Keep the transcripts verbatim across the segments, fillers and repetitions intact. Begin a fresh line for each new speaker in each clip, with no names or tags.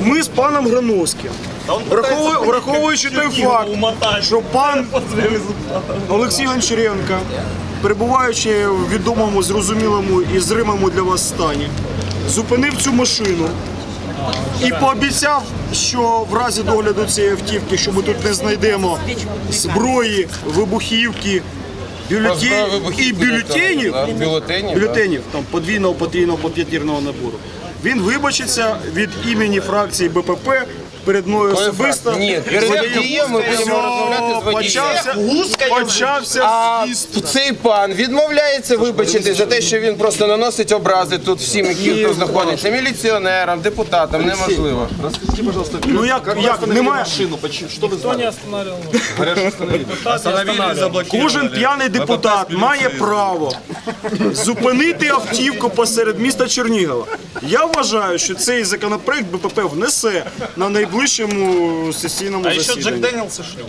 ми з паном Грановським, враховуючи, враховуючи той факт, що пан Олексій Гончаренко, перебуваючи в відомому, зрозумілому і зримому для вас стані, зупинив цю машину і пообіцяв, що в разі догляду цієї автівки, що ми тут не знайдемо зброї, вибухівки, бюлетень і бюлетенів,
бюлетенів,
бюлетенів там подвійного, потрійного, поп'ятірного набору. Він вибачиться від імені фракції Б П П перед мною особисто.
Ні, перед водієм ми будемо розмовляти з водієм.
Почався
А
з'їзд.
цей пан відмовляється вибачити за те, що він просто наносить образи тут всім, які тут знаходяться. Міліціонерам, депутатам, неможливо.
Расскажите, пожалуйста,
Ну як, як немає?
машину, почему? Что вы
Никто не
знали?
останавливал.
Говорят, что остановили.
Кожен п'яний депутат має право зупинити автівку посеред міста Чернігова. Я вважаю, що цей законопроект Б П П внесе на найближчому сесійному
А еще Джек
засіданні.
Дэниелс шлем.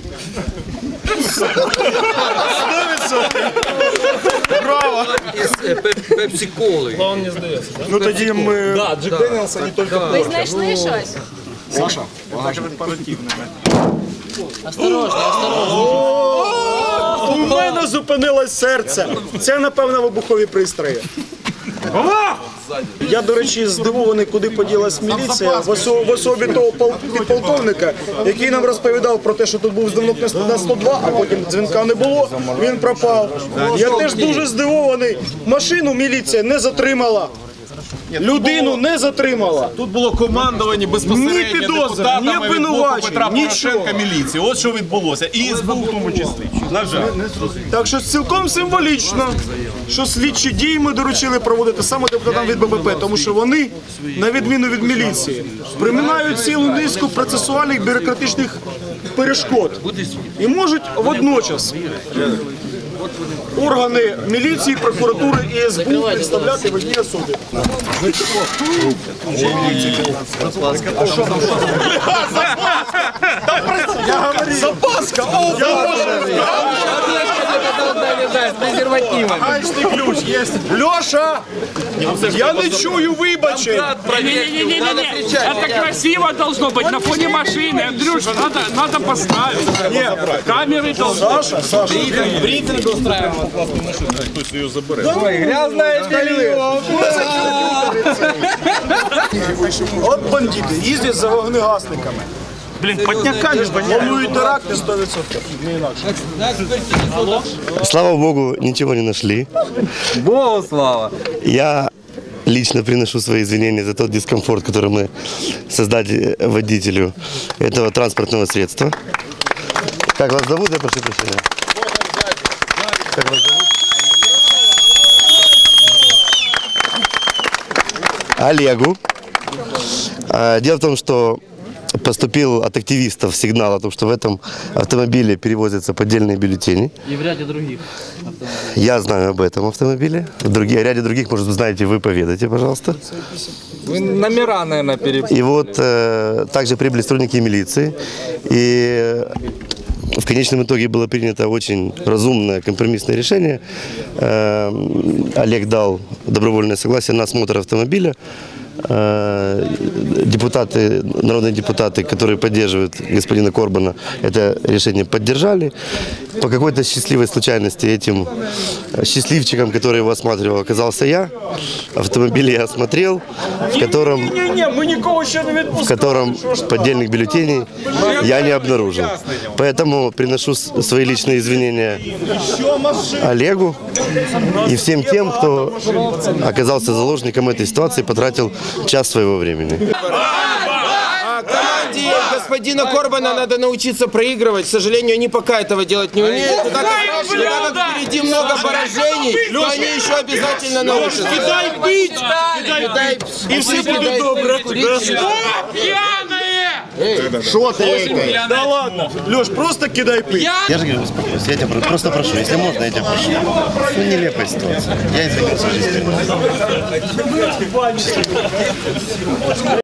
Браво!
Пепсі-коли.
Он не сдается, да?
Ну тоді ми...
Да, Джек Дэниелс, а не только
Ви знайшли щось?
Саша,
Осторожно, осторожно.
у мене зупинилось серце. Це, напевно, вибухові пристрої. Я, до речі, здивований, куди поділась міліція в осо- в особі того пол- підполковника, який нам розповідав про те, що тут був дзвінок на сто два, а потім дзвінка не було, він пропав. Я теж дуже здивований. Машину міліція не затримала. Людину не затримала.
Тут було командування
Ні
безпосередньо
підозр, ні
депутатами від блоку
обвинувачень,
Петра
нічого.
Порошенка міліції. От що відбулося. І ес бе у в тому числі. На жаль.
Так що цілком символічно, що слідчі дії ми доручили проводити саме депутатам від Б П П, тому що вони, на відміну від міліції, приминають цілу низку процесуальних бюрократичних перешкод і можуть водночас органи міліції, прокуратури і ес бе у представляти в одній особі. Я говорю, запаска! О, я говорю,
З презервативами.
гаечний ключ є. Льоша, я не чую вибачень.
Не-не-не-не-не, это красиво должно быть на фоне машины. Андрюш, надо, надо поставить. Камеры должны.
Саша, Саша. От бандити їздять за вогнегасниками.
Блин, подняками.
Планують теракти сто відсотків. Не інакше.
Слава Богу, ничего не нашли.
Богу слава.
Я лично приношу свои извинения за тот дискомфорт, который мы создали водителю этого транспортного средства. Как вас зовут, я прошу прощения? Как вас зовут? Олегу. А, Дело в том, что поступил от активистов сигнал о том, что в этом автомобиле перевозятся поддельные бюллетени.
І в ряді других.
Я знаю об этом автомобиле. В други- о ряде других, может, знаете, вы поведаете, пожалуйста.
Ви номера, наверное, перепутали.
И вот э, также прибыли сотрудники милиции. И в конечном итоге было принято очень разумное компромиссное решение. Э, Олег дал добровольное согласие на осмотр автомобиля. Э, Депутаты, народные депутаты, которые поддерживают господина Корбана, это решение поддержали. По какой-то счастливой случайности этим счастливчиком, который его осматривал, оказался я. Автомобиль я осмотрел, в котором,
Ні-ні-ні, ми нікого ще не
в
відпускаємо.
котором поддельных бюллетеней я не обнаружил. Поэтому приношу с- свои личные извинения Олегу и всем тем, кто оказался заложником этой ситуации, потратил час своего времени.
Команде господина Корбана надо научиться проигрывать. К сожалению, они пока этого делать не умеют. Но так как впереди много поражений, то они еще обязательно научатся.
Кидай пить!
Кидай,
І все буде добре.
Пьяные!
Що ти? Да ладно. Льош, просто кидай пить.
Я же говорю, успокойся, я тебя про- просто прошу, если можно, я тебя прошу. Ну, нелепая ситуация. Я извинился.